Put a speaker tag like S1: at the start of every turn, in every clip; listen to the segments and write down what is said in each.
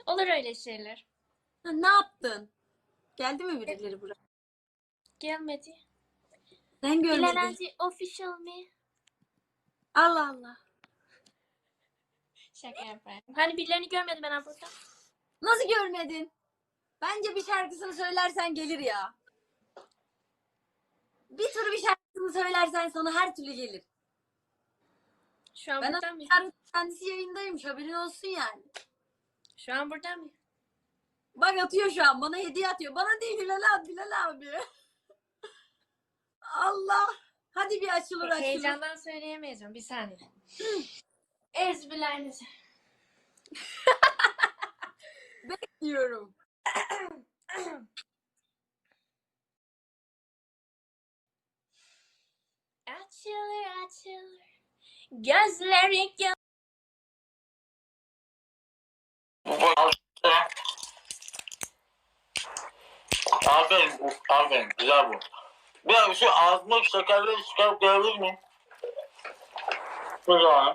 S1: Olur öyle şeyler.
S2: Ha, ne yaptın? Geldi mi birileri buraya?
S1: Gelmedi.
S2: Sen görmedin.
S1: Bilenenci official mi?
S2: Allah Allah.
S1: Şaka yapayım. Hani birilerini görmedim ben burada.
S2: Nasıl görmedin? Bence bir şarkısını söylersen gelir ya. Bir tür bir şarkısını söylersen sana her türlü gelir.
S1: Şu an
S2: Ben
S1: burada mı?
S2: kendisi yayındaymış, haberin olsun yani.
S1: Şu an burada mı?
S2: Bak atıyor şu an, bana hediye atıyor. Bana değil Bilal abi. Allah. Hadi bir açılır.
S1: Heyecandan söyleyemeyeceğim. Bir saniye. Ezbilerinizi.
S2: Bekliyorum.
S1: Açılır. Gözleri
S3: Aferin, güzel bu. Bir şu ağzıma şekerleri çıkarıp görebilir miyim? Güzel.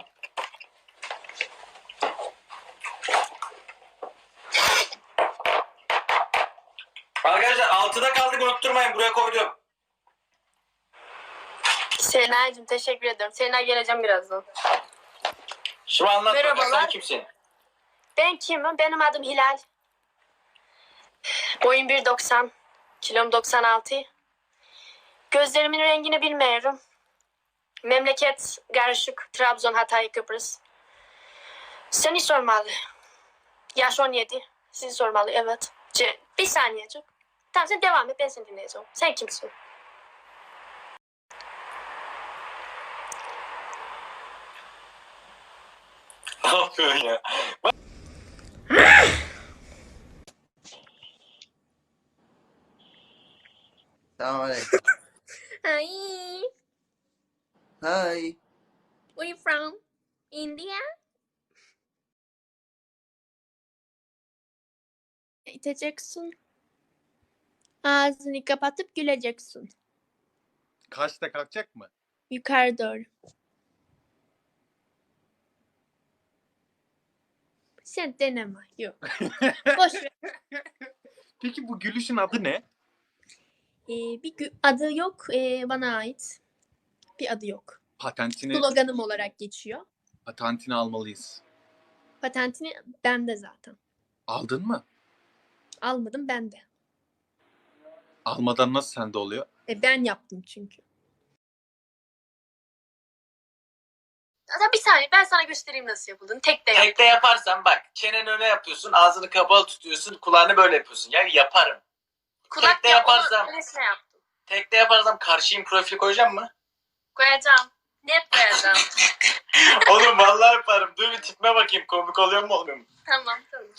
S3: Arkadaşlar altıda kaldık, unutturmayın, buraya koydum.
S1: Sena'cığım teşekkür ederim. Sena geleceğim birazdan.
S3: Şimdi anlat.
S1: Merhabalar.
S3: Sen kimsin?
S1: Ben kimim? Benim adım Hilal. Boyum 1.90. Kilom 96. Gözlerimin rengini bilmiyorum. Memleket karışık. Trabzon, Hatay, Kıbrıs. Seni sormalı. Yaş 17. Sizi sormalı, evet. Bir saniyecik. Tamam sen devam et, ben seni dinleyeceğim. Sen kimsin?
S3: Ne yapıyorsun ya?
S4: Selamünaleyküm.
S1: Hi.
S4: Hi.
S1: Where you from? India? İteceksin. Ağzını kapatıp güleceksin.
S5: Kaçta kalkacak mı?
S1: Yukarı doğru. Sen deneme. Yok. Boş ver.
S5: Peki bu gülüşün adı ne?
S1: Adı yok. Bana ait. Bir adı yok. Sloganım olarak geçiyor.
S5: Patentini almalıyız.
S1: Patentini bende zaten.
S5: Aldın mı?
S1: Almadım bende.
S5: Almadan nasıl sende oluyor?
S1: Ben yaptım çünkü. Zaten bir saniye ben sana göstereyim nasıl yapıldığını. Tek de yap.
S3: Tekte yaparsan bak, çeneni öne yapıyorsun, ağzını kapalı tutuyorsun, kulağını böyle yapıyorsun. Ya yaparım.
S1: Kulak
S3: Tekte yaparsam,
S1: yaptım.
S3: tekte yaparsam karşıyım profili koyacağım mı?
S1: Koyacağım. Net koyacağım.
S3: Oğlum vallahi yaparım. Dur bir tipime bakayım, komik oluyor mu olmuyor mu?
S1: Tamam.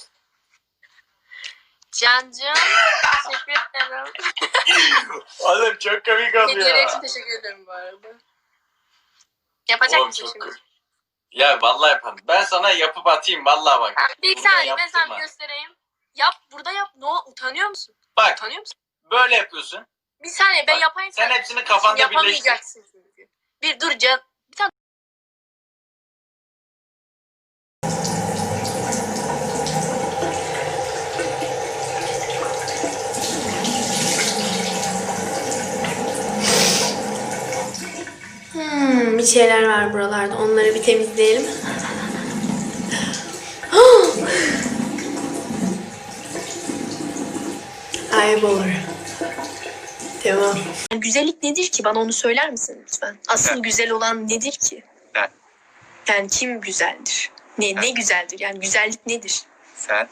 S1: Cancığım teşekkür ederim.
S3: Oğlum çok komik oluyor.
S1: Hediyeler için teşekkür ederim bu arada. Yapacak
S3: Oğlum
S1: mısın
S3: çok
S1: şimdi?
S3: komik. Ya vallahi yaparım. Ben sana yapıp atayım vallahi bak.
S1: Bir
S3: Burada
S1: saniye ben
S3: yaptırma.
S1: sana göstereyim. Yap burada yap. Utanıyor musun?
S3: Bak
S1: Utanıyor musun?
S3: böyle yapıyorsun.
S1: Bir saniye ben
S3: Bak,
S1: yapayım.
S3: sen hepsini kafanda birleştir.
S1: Yapamayacaksın çünkü. Bir dur Can. Bir tane. Bir şeyler var buralarda. Onları bir temizleyelim. Kaybolur. Tamam. Güzellik nedir ki? Bana onu söyler misin lütfen? Asıl güzel olan nedir ki?
S5: Ne?
S1: Yani kim güzeldir? Ne güzeldir? Yani güzellik nedir?
S5: Sen.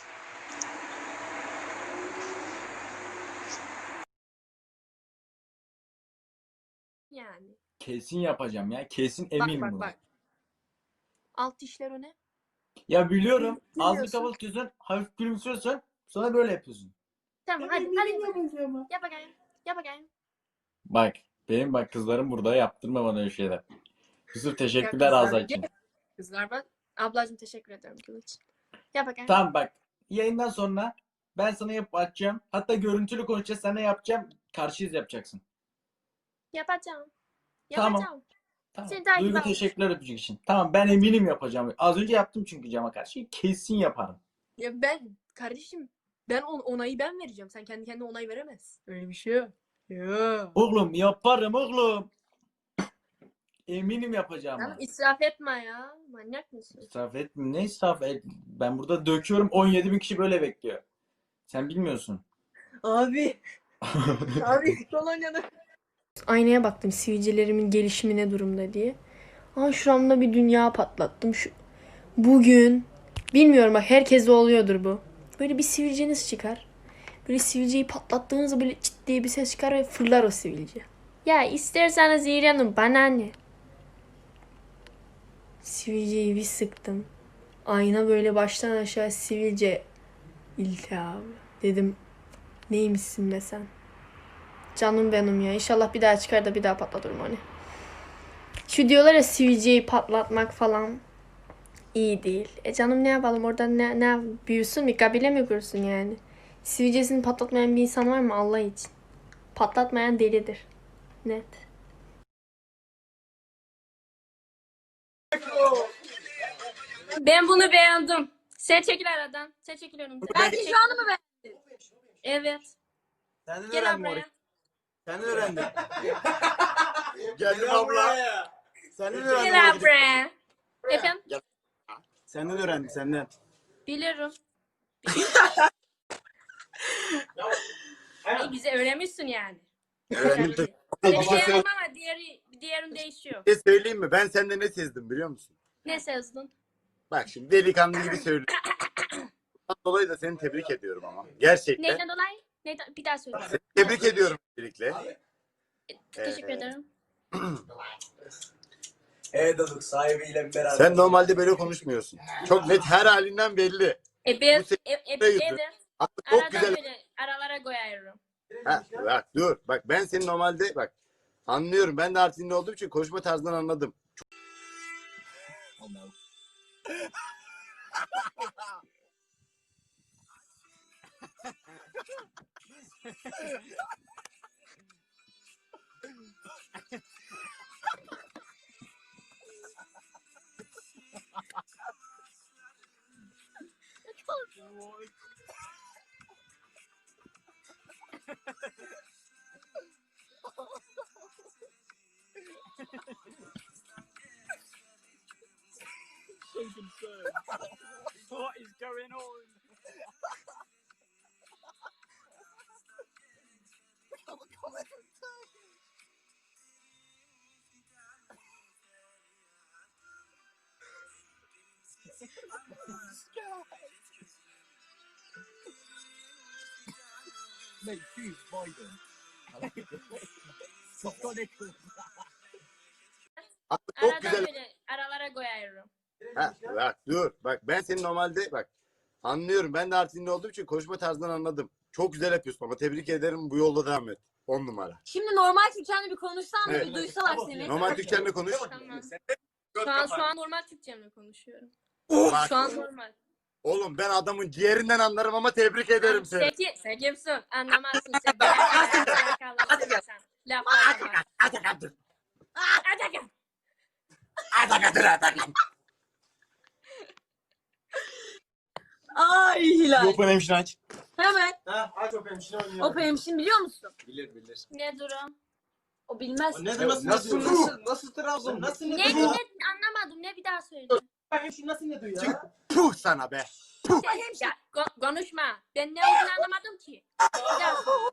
S1: Yani.
S6: Kesin yapacağım ya. Kesin eminim buna.
S1: Bak. Alt dişler o ne?
S6: Ya biliyorum. Ağzını
S1: Biliyorsun.
S6: kapalı tutuyorsun. Hafif gülümsüyorsun. Sonra böyle yapıyorsun.
S1: Tamam hadi.
S6: Yapacağım.
S1: Yap bakayım.
S6: Bak kızlarım burada, yaptırma bana öyle şeyler. Yusuf teşekkürler
S1: Ya
S6: Azra
S1: kızlar,
S6: için.
S1: Kızlar bak. Ablacığım teşekkür ederim Kılıç. Yap bakayım.
S6: Tamam bak. Yayından sonra ben sana yapıp atacağım. Hatta görüntülü konuşacağız. Sana yapacağım. Karşıyız yapacaksın.
S1: Yapacağım.
S6: Tamam. Tamam.
S1: Seni takip
S6: Duygu
S1: aldım.
S6: teşekkürler öpücük için. Tamam ben eminim yapacağım. Az önce yaptım çünkü cama karşı. Kesin yaparım.
S1: Ya ben kardeşim ben onayı ben vereceğim. Sen kendi kendine onay veremezsin. Öyle bir şey yok. Ya.
S6: Oğlum yaparım oğlum. Eminim
S1: Tamam
S6: yapacağıma.
S1: israf etme ya. Manyak mısın?
S6: İsraf etme. Ne israf et? Ben burada döküyorum. 17 bin kişi böyle bekliyor. Sen bilmiyorsun.
S1: Abi. Abi kolonyanı. Aynaya baktım sivilcelerimin gelişimi ne durumda diye. Aa şuramda bir dünya patlattım. Bugün bilmiyorum bak herkeste oluyordur bu. Böyle bir sivilceniz çıkar. Böyle sivilceyi patlattığınızda böyle çıt diye bir ses çıkar ve fırlar o sivilce. Ya isterseniz İran'ın bana ne? Sivilceyi bir sıktım. Ayna böyle baştan aşağı sivilce iltihabı. Dedim neymişsin be sen? Canım benim ya. İnşallah bir daha çıkar da bir daha patlatırım hani. Şu diyorlar ya sivilceyi patlatmak falan iyi değil. Canım ne yapalım orada ne büyüsün bir kabile mi kursun yani? Sivilcesini patlatmayan bir insan var mı Allah için? Patlatmayan delidir. Net. Ben bunu beğendim. Sen çekil aradan. Sen çekil önümden.
S2: Bence şu anı mı beğendin?
S1: Evet.
S7: Senden
S1: Gel
S7: öğrendim
S1: buraya.
S7: orayı. Senden öğrendim. Geldim abla. Senden öğrendim
S1: Gel
S7: orayı.
S1: buraya. Efendim?
S7: Senden öğrendim senden.
S1: Bilirim. Bize öğrenmişsin yani.
S7: Öğrendim tabii.
S1: Seni
S7: Bir şey
S1: beğendim ama diğerin değişiyor.
S7: söyleyeyim mi? Ben sende ne sezdim biliyor musun?
S1: Ne sezdin?
S7: Bak şimdi delikanlı gibi söylüyorum. Bundan dolayı da seni tebrik ediyorum ama. Gerçekten.
S1: Neyden dolayı? Neyden? Bir daha söyle.
S7: Seni tebrik ediyorum öncelikle.
S1: Teşekkür ederim.
S8: Deduk sahibiyle beraber.
S7: Sen normalde böyle konuşmuyorsun. Çok net her halinden belli.
S1: Ben,
S7: Bu senin
S1: evet.
S7: Aslında çok
S1: Arada
S7: güzel.
S1: böyle aralara koyarım.
S7: Ha, bak dur. Bak ben senin normalde bak anlıyorum. Ben de Artvinli olduğum için konuşma tarzından anladım.
S8: What is going on? Mate, who's Biden? He's got it.
S7: Aslında çok
S1: Arada
S7: güzel.
S1: böyle aralara koyarım.
S7: Ha, bak dur. Bak ben senin normalde bak anlıyorum. Ben de Artvinli olduğum için konuşma tarzından anladım. Çok güzel yapıyorsun ama tebrik ederim. Bu yolda devam et. 10 numara.
S2: Şimdi normal Türkçenle bir konuşsan da
S7: Evet.
S2: bir duysalar seni.
S7: Normal Türkçenle konuş.
S1: Tamam. Şu an normal Türkçemle konuşuyorum.
S7: Bak,
S1: Şu an normal.
S7: oğlum ben adamın ciğerinden anlarım ama tebrik ederim seni.
S1: Sen kimsin? Anlamazsın sen. Sen. Laflara bak. Atakan.
S2: Ay Hilal.
S7: Open hemşire aç.
S2: Hemen.
S8: Ha, aç o hemşire oynayalım.
S2: O hemşin biliyor musun?
S8: Bilir.
S1: Ne durum?
S2: O bilmez.
S8: O ne nasıl Trabzon? Nasıl
S1: Ne anlamadım. Ne bir daha söyle.
S8: Hemşire nasıl ne diyor ya?
S7: Puh sana be.
S1: Ya, konuşma. Ben ne olduğunu anlamadım ki. Bir daha söyle.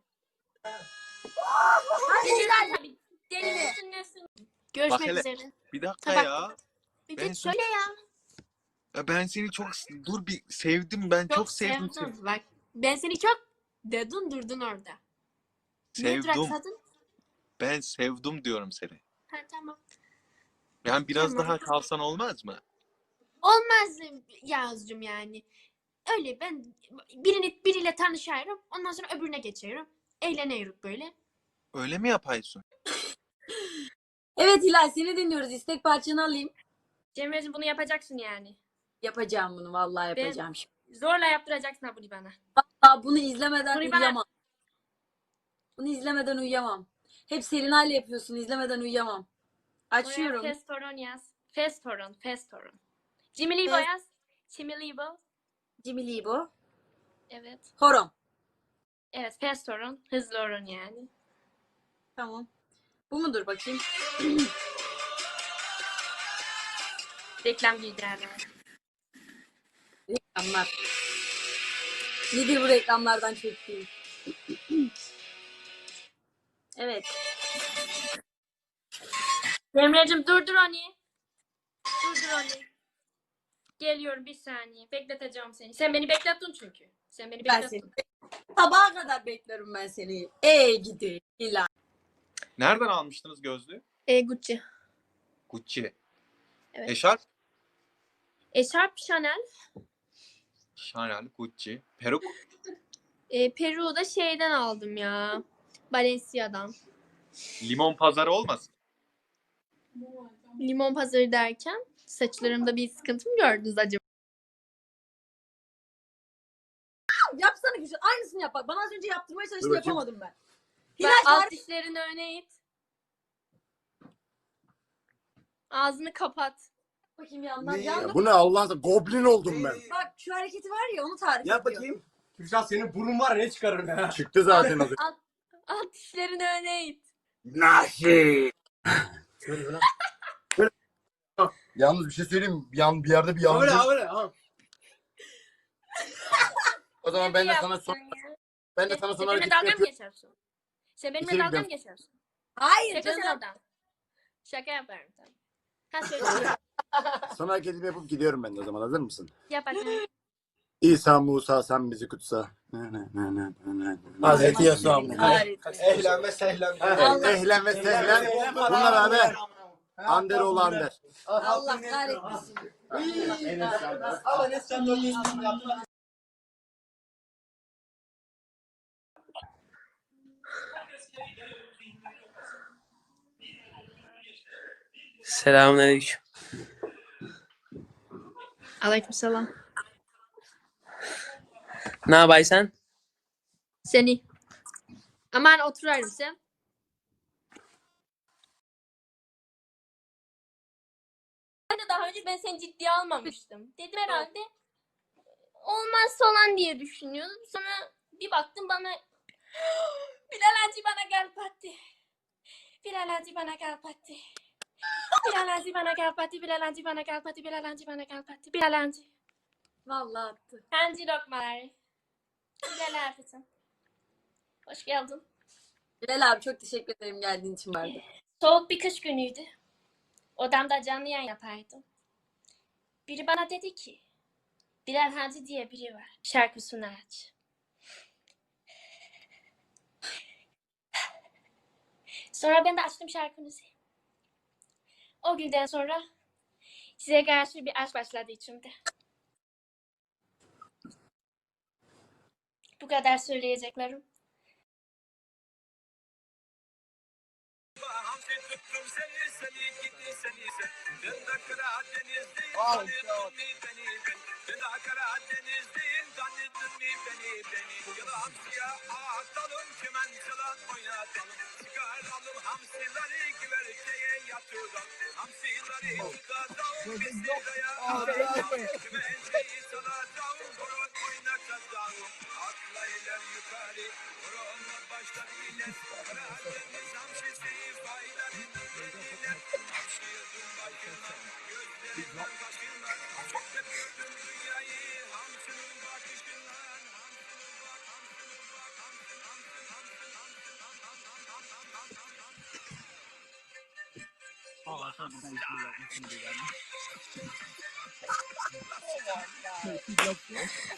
S2: Hadi Hilal.
S1: Tabii. Deli misin nesin?
S5: Bak
S1: Görüşmek
S5: hele.
S1: üzere.
S5: Bir dakika
S1: Tamam.
S5: ya.
S1: Bir
S5: Ben
S1: git söyle ya.
S5: Ya ben seni çok dur bir sevdim ben çok sevdim
S1: sevdim.
S5: seni.
S1: Bak ben seni çok dedin durdun orada. Niye
S5: Sevdim.
S1: duraksadın?
S5: Ben sevdim diyorum seni.
S1: Ha tamam.
S5: Yani biraz
S1: Tamam.
S5: daha kalsan olmaz mı?
S1: Olmaz Yağız'cığım yani. Öyle ben biriyle tanışıyorum. Ondan sonra öbürüne geçiyorum. Eğleniyoruz böyle.
S5: Öyle mi yapıyorsun?
S2: Evet Hilal seni dinliyoruz. İstek parçanı alayım.
S1: Cemre'cim bunu yapacaksın yani.
S2: Yapacağım bunu vallahi yapacağım şimdi.
S1: Zorla yaptıracaksın ha bunu bana.
S2: Aa, bunu izlemeden
S1: Bunu bana-
S2: uyuyamam. Bunu izlemeden uyuyamam. Hep Selinay'la yapıyorsun. İzlemeden uyuyamam. Açıyorum.
S1: Oraya Festoron yaz. Festoron. Jimmy Libo
S2: Fes-
S1: yaz. Jimmy Libo.
S2: Cimri bu.
S1: Evet.
S2: Horon.
S1: Evet, fast orun, hızlı orun yani.
S2: Tamam. Bu mudur bakayım?
S1: Reklam girdilerler.
S2: Reklamlar. Nedir bu reklamlardan çektiğim? Evet.
S1: Emre'cim durdur onu. Durdur onu. Geliyorum bir saniye. Bekleteceğim seni. Sen beni beklettin çünkü. Sen beni
S2: Ben
S1: beklettin.
S2: seni. Sabaha kadar beklerim ben seni. Gidi. İlla.
S5: Nereden almıştınız gözlüğü?
S1: Gucci.
S5: Gucci.
S1: Evet.
S5: Eşarp?
S1: Eşarp Chanel.
S5: Chanel, Gucci. Peruk?
S1: Peru'yu da şeyden aldım ya. Balenciaga'dan.
S5: Limon pazarı olmasın?
S1: Limon pazarı derken saçlarımda bir sıkıntı mı gördünüz acaba?
S2: Yapsana güzel. Aynısını yap bak. Bana az önce yaptırmaya çalıştın
S7: Dur bakayım.
S2: yapamadım ben.
S1: Bak,
S2: Hilal
S1: alt dişlerini öne it. Ağzını kapat.
S2: bakayım yandan.
S8: Ne?
S2: Yandan.
S7: Ya bu ne Allah'ın sen goblin oldum ben.
S2: Bak şu hareketi var ya onu tarif
S8: Yap
S2: ediyor.
S8: bakayım. Kürşat senin burnun var ya ne çıkarır ya.
S7: Çıktı zaten az önce.
S1: Alt dişlerini öne it.
S7: Nasıl?
S8: Şöyle lan.
S7: Yalnız bir şey söyleyeyim. Bir yerde bir
S8: Öyle
S7: yanlış.
S8: öyle. Ha.
S7: O zaman ben de sana
S1: Yaptın
S7: son,
S1: ya?
S7: ben de sana son
S1: Sen benimle
S7: hareketi
S1: dalga mı
S7: yapıyorum.
S1: geçiyorsun? Sen benimle
S7: İçeri
S1: dalga mı
S7: gidiyorum.
S1: geçiyorsun?
S2: Hayır
S1: Şaka
S2: canım.
S1: sen oradan. Şaka yaparım tamam. Ha söyle.
S7: Son hareketimi yapıp gidiyorum ben de o zaman. Hazır mısın?
S1: Yap bakayım.
S7: İsa Musa sen bizi kutsa.
S8: Hazreti Yasuo.
S2: Kahretsin.
S8: Ehlen ve sehlen.
S2: Allah.
S7: Ehlen ve sehlen. Bunlar abi. Ander oğlu Ander.
S2: Allah kahretsin.
S8: Ama ne sen de yaptın.
S9: Selamünaleyküm.
S1: Aleykümselam.
S9: Ne yapaysan?
S1: Seni. Aman oturayım sen. Daha önce ben seni ciddiye almamıştım. Dedim herhalde olmaz falan diye düşünüyordum. Sonra bir baktım bana Bilal Hacı bana gel patti. Bilal Hacı bana gel patti. Bilal Hacı bana gel patti. Bilal Hacı bana gel patti. Bilal Hacı bana gel patti. Bilal Hacı.
S2: Vallahi attı.
S1: Hancı lokmaları. Bilal Hacı'cığım. Hoş geldin.
S2: Bilal abi çok teşekkür ederim geldiğin için vardı.
S1: Soğuk bir kış günüydü. Odamda canlı yayın yapardım. Biri bana dedi ki Bilal Hacı diye biri var. Şarkısını aç. Sonra ben de açtım şarkınızı. O günden sonra size karşı bir aşk başladı içimde. Bu kadar söyleyeceklerim.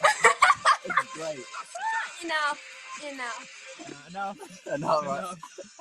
S1: Enough.
S4: Enough, right?